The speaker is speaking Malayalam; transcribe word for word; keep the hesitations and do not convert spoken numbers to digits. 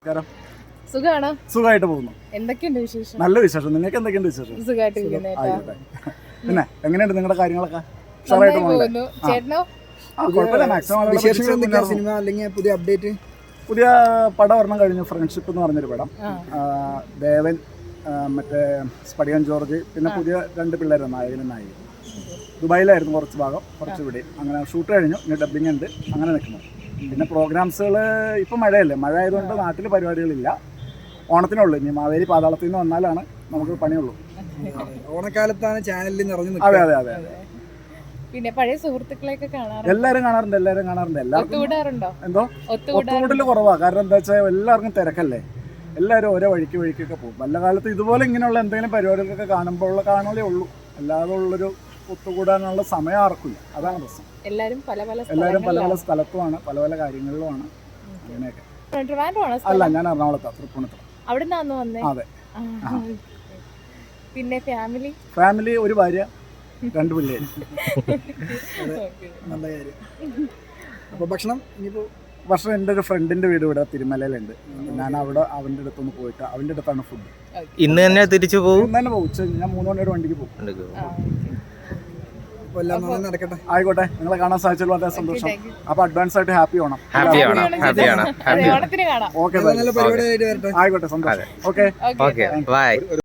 സുഖാണോ? സുഖമായിട്ട് പോകുന്നു. എന്തൊക്കെയുണ്ട് വിശേഷം? നല്ല വിശേഷം. നിങ്ങൾക്ക് എന്തൊക്കെയുണ്ട് വിശേഷം? സുഖമായിട്ട് പിന്നെ എങ്ങനെയുണ്ട് നിങ്ങളുടെ കാര്യങ്ങളൊക്കെ? പുതിയ അപ്ഡേറ്റ് പുതിയ പടം ഒരെണ്ണം കഴിഞ്ഞു, ഫ്രണ്ട്ഷിപ്പ് എന്ന് പറഞ്ഞൊരു പടം. ദേവൻ, മറ്റേ സ്പടികൻ ജോർജ്, പിന്നെ പുതിയ രണ്ട് പിള്ളേർ നായകനും നായിക. ദുബായിലായിരുന്നു കുറച്ച് ഭാഗം, കുറച്ച് ഇവിടെ. അങ്ങനെ ഷൂട്ട് കഴിഞ്ഞു, ഇനി ഡബിങ് ഉണ്ട്, അങ്ങനെ നിൽക്കുന്നു. പിന്നെ പ്രോഗ്രാംസുകൾ ഇപ്പം മഴയല്ലേ, മഴ ആയതുകൊണ്ട് നാട്ടിൽ പരിപാടികളില്ല. ഓണത്തിനുള്ളൂ. ഇനി മാവേലി പാതാളത്തിൽ നിന്ന് വന്നാലാണ് നമുക്ക് പണിയുള്ളൂ. ഓണക്കാലത്താണ് ചാനലിൽ നിറഞ്ഞു. അതെ അതെ അതെ അതെ. പിന്നെ പഴയ സുഹൃത്തുക്കളെയൊക്കെ കാണാറുണ്ട്. എല്ലാവരും കാണാറുണ്ട്, എല്ലാവരും കാണാറുണ്ട്. എല്ലാവർക്കും എന്തോ ഒത്തുകൂടൽ കുറവാ. കാരണം എന്താ വെച്ചാൽ എല്ലാവർക്കും തിരക്കല്ലേ, എല്ലാവരും ഓരോ വഴിക്ക് വഴിക്കൊക്കെ പോകും. വല്ല കാലത്ത് ഇതുപോലെ ഇങ്ങനെയുള്ള എന്തെങ്കിലും പരിപാടികളൊക്കെ കാണുമ്പോൾ കാണലേ ഉള്ളൂ. അല്ലാതെ ഉള്ളൊരു ഒത്തുകൂടാനുള്ള സമയം ആർക്കില്ല. അതാണ് പ്രശ്നം. എല്ലാവരും പല പല എല്ലാവരും പല പല സ്ഥലത്തുമാണ്, പല പല കാര്യങ്ങളിലുമാണ്. അങ്ങനെയൊക്കെ. അല്ല, ഞാൻ എറണാകുളത്താണ്, തൃപ്പൂണിത്തുറ. അവിടെ നിന്നാണ് വന്നേ? അതെ. പിന്നെ ഫാമിലി ഫാമിലി ഒരു ഭാര്യ, രണ്ട് പിള്ളേര്. നല്ല കാര്യം. അപ്പോൾ ഭക്ഷണം ഇനിയിപ്പോൾ ഭക്ഷണം എൻ്റെ ഒരു ഫ്രണ്ടിൻ്റെ വീട് ഇവിടെ തിരുമലയിലുണ്ട്. ഞാൻ അവിടെ അവൻ്റെ അടുത്തൊന്ന് പോയിട്ട് അവൻ്റെ അടുത്താണ് ഫുഡ്. ഇന്ന് തന്നെ തിരിച്ചു പോകും? ഇന്ന് തന്നെ പോകും. ഉച്ച ഞാൻ മൂന്ന് മണിയോടെ വണ്ടിക്ക് പോകും. നടക്കട്ടെ. ആയിക്കോട്ടെ. നിങ്ങളെ കാണാൻ സാധിച്ചല്ലോ, വളരെ സന്തോഷം. അപ്പൊ അഡ്വാൻസ് ആയിട്ട് ഹാപ്പി ഓണം. ഹാപ്പിയാണ്. ഓക്കെ, ആയിക്കോട്ടെ, സന്തോഷം. Okay by.